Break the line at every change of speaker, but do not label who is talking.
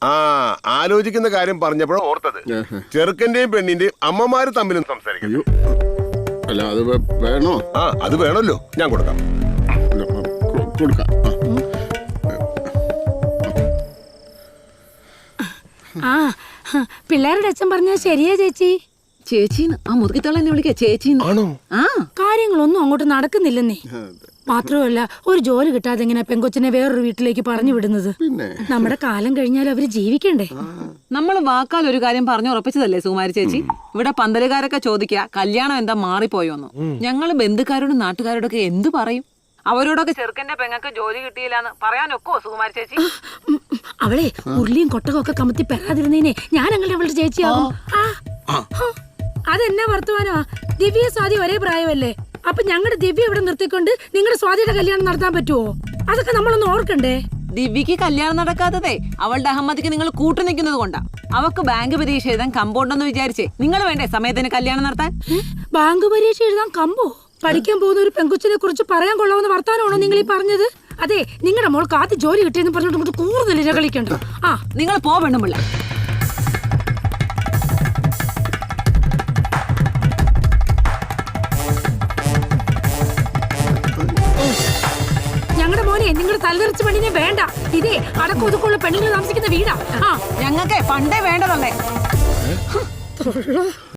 ആലോചിക്കുന്ന കാര്യം പറഞ്ഞപ്പോഴും ഓർത്തത്. ചെറുക്കന്റെയും പെണ്ണിന്റെയും അമ്മമാര് തമ്മിലും സംസാരിക്കും.
അല്ല അത് വേണോ?
അത് വേണമല്ലോ, ഞാൻ കൊടുക്കാം.
പിള്ളേരുടെ അച്ഛൻ പറഞ്ഞത് ശരിയാ ചേച്ചി.
ചേച്ചീന്ന് ആ മുറുകിത്തോളം എന്നെ വിളിക്കാ ചേച്ചീന്ന്.
കാര്യങ്ങളൊന്നും അങ്ങോട്ട് നടക്കുന്നില്ലെന്നേ. മാത്രമല്ല, ഒരു ജോലി കിട്ടാതെ എങ്ങനെ പെങ്കൊച്ചിനെ വേറൊരു വീട്ടിലേക്ക് പറഞ്ഞു വിടുന്നത്? നമ്മുടെ കാലം കഴിഞ്ഞാൽ അവര് ജീവിക്കണ്ടേ?
നമ്മൾ വാക്കാൽ ഒരു കാര്യം പറഞ്ഞു ഉറപ്പിച്ചതല്ലേ സുകുമാരി ചേച്ചി? ഇവിടെ പന്തലുകാരൊക്കെ ചോദിക്കാ കല്യാണം എന്താ മാറിപ്പോയോന്ന്. ഞങ്ങള് ബന്ധുക്കാരോടും നാട്ടുകാരോടൊക്കെ എന്ത് പറയും? അവരോടൊക്കെ ചെറുക്കന്റെ പെങ്ങൾക്ക് ജോലി കിട്ടിയില്ലാന്ന് പറയാനൊക്കോ സുകുമാരി ചേച്ചി?
അവളെ ഉരുളിയും കൊട്ടകം ഒക്കെ കമത്തി പെടാതിരുന്നേനെ ഞാൻ അങ്ങനെ അവളുടെ ചേച്ചിയാവും. അതെന്നാ വർത്തമാനമാ? ദിവ്യ സ്വാതി ഒരേ പ്രായമല്ലേ? അപ്പൊ ഞങ്ങളുടെ ദിവ്യ ഇവിടെ നിർത്തിക്കൊണ്ട് നിങ്ങളുടെ സ്വാതിയുടെ കല്യാണം നടത്താൻ പറ്റുമോ? അതൊക്കെ നമ്മളൊന്ന് ഓർക്കണ്ടേ?
ദിവ്യക്ക് കല്യാണം നടക്കാത്തതേ അവളുടെ അഹമ്മദിക്ക് നിങ്ങൾ കൂട്ടു നിൽക്കുന്നത് കൊണ്ടാ. അവക്ക് ബാങ്ക് പരീക്ഷ എഴുതാൻ കമ്പുണ്ടെന്ന് വിചാരിച്ചേ നിങ്ങൾ വേണ്ടേ സമയത്തിന് കല്യാണം നടത്താൻ?
ബാങ്ക് പരീക്ഷ എഴുതാൻ കമ്പോ? പഠിക്കാൻ പോകുന്ന ഒരു പെങ്കുച്ചിനെ കുറിച്ച് പറയാൻ കൊള്ളാവുന്ന വർത്താനമാണോ നിങ്ങൾ ഈ പറഞ്ഞത്? അതെ, നിങ്ങളുടെ മോൾക്ക് ആദ്യം ജോലി കിട്ടിയെന്ന് പറഞ്ഞിട്ട് കൂടുതൽ കളിക്കണ്ട.
നിങ്ങൾ പോവെണ്ണുമില്ല.
ഞങ്ങളുടെ മോനെ നിങ്ങളുടെ തലതെറിച്ച പെണ്ണിനെ വേണ്ട. ഇതേ അടക്കൊതുക്കുള്ള പെണ്ണുങ്ങൾ താമസിക്കുന്ന വീടാ.
ഞങ്ങൾക്ക് പണ്ടേ വേണ്ടതല്ലേ.